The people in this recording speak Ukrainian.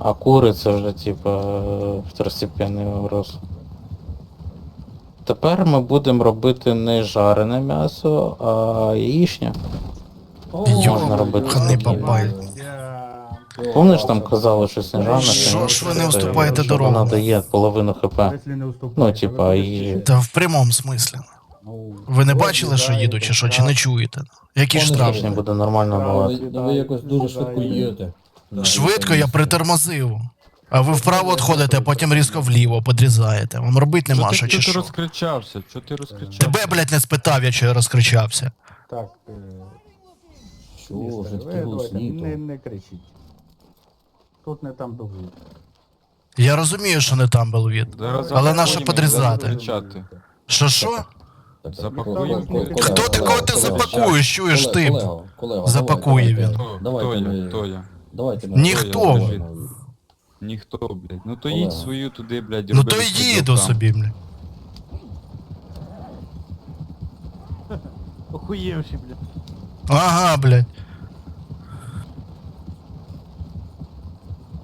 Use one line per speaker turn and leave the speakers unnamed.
А кури це вже типа второстепенний вопрос. Тепер ми будемо робити не жарене м'ясо, а яєчня. Можна робити
Йобаний
такі.
бабай.
Помниш, там казали щось не жарене?
Що ж ви не уступаєте
що
дорогу?
вона дає половину хп.
Если не уступаєте,
Ну, типа, і...
Та в прямому смислі. Ви не бачили, що їду, чи що, чи не чуєте? Які штрафи?
Яєчня буде нормально бувати.
Ви якось дуже швидко їдете.
Швидко я притормозив. А ви вправо відходите, а потім різко вліво подрізаєте. Вам робити нема що, чи
Чого ти
що?
розкричався? Чого ти розкричався?
Тебе, блядь, не спитав, я чого розкричався.
Так,
Що
містер,
вже
ви
такі
давайте
голосні?
не кричіть. Тут не там довго.
Я розумію, що не там був від.
Зараз
Але нащо
запакуємо,
подрізати?
зараз кричати.
Що?
Запакуємо.
Хто такого ти запакуєш, чуєш ти? Запакує він.
Хто я? Хто я?
Давайте
Ніхто.
Скажи. Ніхто, блядь. Ну то їдь свою туди, блядь,
Ну
роби
то
розподіл
їду
там.
собі, блядь.
Охуєвші, бля.
Ага, блядь.